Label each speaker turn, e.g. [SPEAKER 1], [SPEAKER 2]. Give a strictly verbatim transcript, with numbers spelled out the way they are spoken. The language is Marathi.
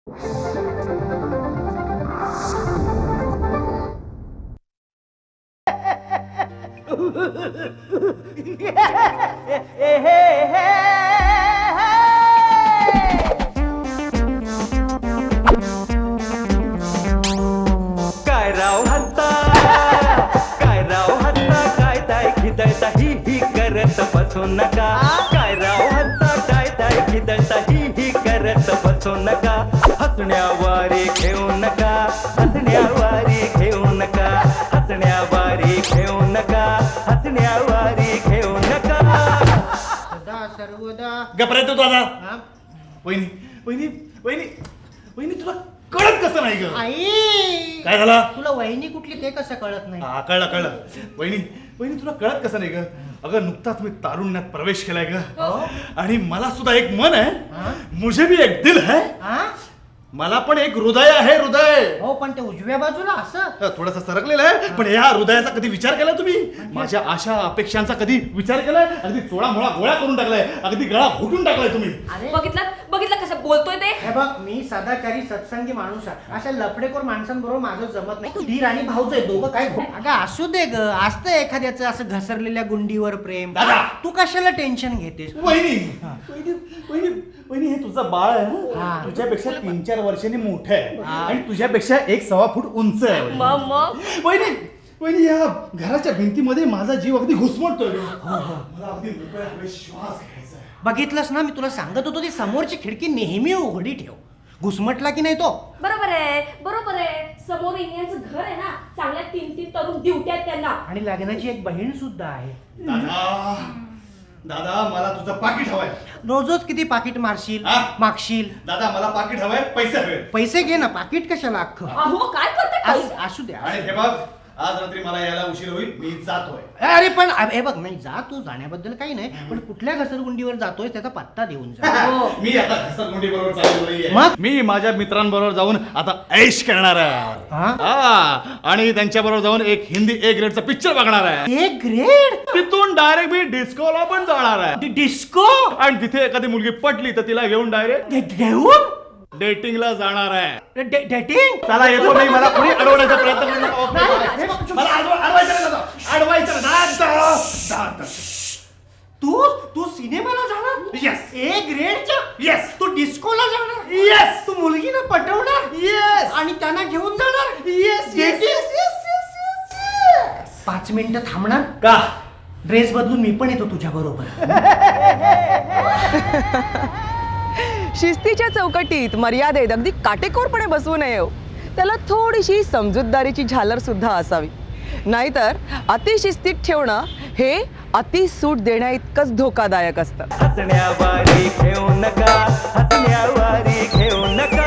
[SPEAKER 1] काय राव हत्ता काय राव हत्ता काय ताय खिदळता ही ही करत बसू नका काय राव हत्ता काय ताय खिदळता ही ही करत बसू नका हसण्यावारे घेऊ नका हसण्यावारे घेऊ नका हसण्यावारे घेऊ नका हसण्यावारे घेऊ नका
[SPEAKER 2] सदा सर्वदा
[SPEAKER 3] गप्रे तू दादा
[SPEAKER 2] हा?
[SPEAKER 3] वहिनी वहिनी वहिनी वहिनी तुला कळत कसं नाही ग
[SPEAKER 2] आई
[SPEAKER 3] काय झालं
[SPEAKER 2] तुला वहिनी कुठली ते कसं कळत नाही
[SPEAKER 3] हा कळलं कळलं वहिनी वहिनी तुला कळत कसं नाही ग अगं नुकताच मी तारुण्यात प्रवेश केलाय ग आणि मला सुद्धा एक मन
[SPEAKER 2] हा?
[SPEAKER 3] आहे मुझे भी एक दिल है
[SPEAKER 2] हा?
[SPEAKER 3] मला पण एक हृदय आहे हृदय
[SPEAKER 2] हो पण ते उजव्या बाजूला असं
[SPEAKER 3] थोडस सरकलेलं आहे पण या हृदयाचा कधी विचार केला तुम्ही माझ्या आशा अपेक्षांचा कधी विचार केलाय अगदी चोळा मोळा गोळा करून टाकलाय अगदी गळा घोटून टाकलाय तुम्ही
[SPEAKER 2] अरे
[SPEAKER 4] बघितलं बघितलं कसं बोलतोय ते
[SPEAKER 2] हे बघ मी सदाचारी सत्संगी माणूस आहे अशा लफडेखोर माणसांबरोबर माझं जमत नाही धीर आणि भाऊच आहे दोघं काय अगं असू दे ग असतं एखाद्याचं असं घसरलेल्या गुंडीवर प्रेम
[SPEAKER 3] दादा!
[SPEAKER 2] तू कशाला टेन्शन घेतेस
[SPEAKER 3] वहिनी वहिनी वहिनी वहिनी हे तुझं बाळ आहे
[SPEAKER 2] हा.
[SPEAKER 3] हं? तुझ्यापेक्षा तीन चार वर्षांनी मोठं आहे
[SPEAKER 2] हा.
[SPEAKER 3] आणि तुझ्यापेक्षा एक सव्वा फूट उंच आहे वहिनी.
[SPEAKER 4] मग मग
[SPEAKER 3] वहिनी वहिनी या घराच्या भिंतीमध्ये माझा जीव अगदी घुसमटतोय मला अगदी मोकळ्याकडे श्वास घ्यायचा आहे.
[SPEAKER 2] बघितलंस ना मी तुला सांगत होतो ती समोरची खिडकी नेहमी उघडी ठेव घुसमटला की नाही तो
[SPEAKER 4] बरोबर आहे बरोबर आहे समोर इंडियाचं घर आहे ना चांगल्या तीन तीन तरुण ड्युट्या आहेत त्यांना
[SPEAKER 2] आणि लग्नाची एक बहीण सुद्धा आहे
[SPEAKER 3] दादा दादा मला तुझं पाकिट हवंय
[SPEAKER 2] रोजच किती पाकिट मारशील
[SPEAKER 3] हा?
[SPEAKER 2] मागशील
[SPEAKER 3] दादा मला पाकिट हवंय पैसे हवे
[SPEAKER 2] पैसे घे ना पाकिट कशाला अख्खं
[SPEAKER 4] अहो काय करताय
[SPEAKER 2] असू असू द्या
[SPEAKER 3] आणि हे बघ आज रात्री मला यायला उशीर होईल मी जातोय
[SPEAKER 2] अरे पण हे बघ नाही जा तू जाण्याबद्दल काही नाही पण कुठल्या घसरगुंडीवर जातोय त्याचा पत्ता देऊन जा
[SPEAKER 3] मी आता घसरगुंडी बरोबर चालू नाहीये.
[SPEAKER 2] मग?
[SPEAKER 3] मी माझ्या मित्रांबरोबर जाऊन आता ऐश करणार आहे
[SPEAKER 2] हा?
[SPEAKER 3] हा, आणि त्यांच्या बरोबर जाऊन एक हिंदी ए ग्रेडचा पिक्चर बघणार आहे
[SPEAKER 2] एक ग्रेड
[SPEAKER 3] तिथून डायरेक्ट मी डिस्कोला पण जाणार आहे
[SPEAKER 2] डिस्को
[SPEAKER 3] आणि तिथे एखादी मुलगी पटली तर तिला घेऊन डायरेक्ट
[SPEAKER 2] घेऊन
[SPEAKER 3] डेटिंगला जाणार आहे
[SPEAKER 2] डेटिंग
[SPEAKER 3] चला येतो नाही मला कोणी अडवण्याचा प्रयत्न करू नका. मला अडव- अडवायचं नाही दादा. अडवायचं नाही. दादा, दादा.
[SPEAKER 2] तू तू सिनेमाला जाणार
[SPEAKER 3] Yes.
[SPEAKER 2] ए ग्रेडच्या
[SPEAKER 3] Yes.
[SPEAKER 2] तू डिस्कोला जाणार
[SPEAKER 3] Yes.
[SPEAKER 2] तू मुलगीला पटवणार
[SPEAKER 3] Yes.
[SPEAKER 2] आणि त्यांना घेऊन जाणार
[SPEAKER 3] Yes, yes,
[SPEAKER 2] Dating?
[SPEAKER 3] yes, yes, yes, yes.
[SPEAKER 2] पाच मिनिटं थांबणार
[SPEAKER 3] का
[SPEAKER 2] ड्रेस बदलून मी पण येतो तुझ्या बरोबर
[SPEAKER 5] शिस्तीच्या चौकटीत मर्यादेत अगदी काटेकोरपणे बसवू नये हो. त्याला थोडीशी समजूतदारीची झालर सुद्धा असावी नाहीतर अतिशिस्तीत ठेवणं हे अतिसूट देण्या इतकंच धोकादायक असतं
[SPEAKER 1] हसण्यावारे घेऊ नका हसण्यावारे घेऊ नका